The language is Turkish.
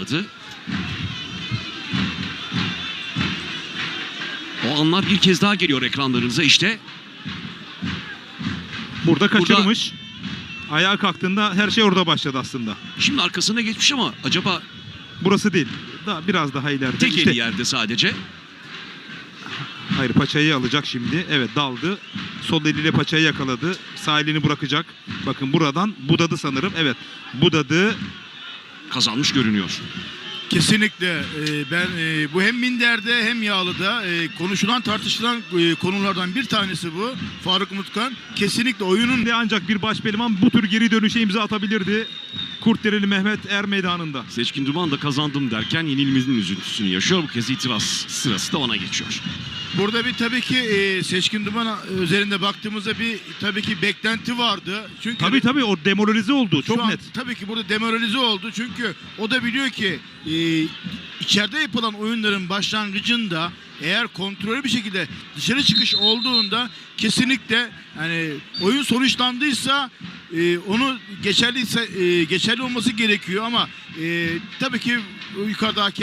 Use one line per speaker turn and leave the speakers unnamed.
vardı. O anlar bir kez daha geliyor ekranlarınıza işte.
Burada kaçırmış. Ayağa kalktığında her şey orada başladı aslında.
Şimdi arkasına geçmiş ama acaba
Burası değil. Biraz daha ileride.
tek
İşte-
eli yerde sadece.
Hayır, paçayı alacak şimdi. Evet, daldı. Sol eliyle paçayı yakaladı. Sağ elini bırakacak. Bakın buradan budadı sanırım. Evet, budadı.
Kazanmış görünüyor.
Kesinlikle ben bu hem minderde hem yağlıda konuşulan tartışılan konulardan bir tanesi bu. Faruk Umutkan kesinlikle oyunun
Şimdi ancak bir baş pehlivan bu tür geri dönüşe imza atabilirdi. Kurtdereli Mehmet Er meydanında.
Seçkin Duman da kazandım derken yenilmemizin üzüntüsünü yaşıyor. Bu kez itiraz sırası da ona geçiyor.
burada bir tabii ki Seçkin Duman üzerinde baktığımızda bir tabii ki beklenti vardı. Çünkü
Tabii o demoralize oldu.
şu
Çok
an
net.
tabii ki burada demoralize oldu. Çünkü o da biliyor ki içeride yapılan oyunların başlangıcında eğer kontrollü bir şekilde dışarı çıkış olduğunda kesinlikle yani oyun sonuçlandıysa onu geçerli olması gerekiyor ama tabii ki yukarıda hakem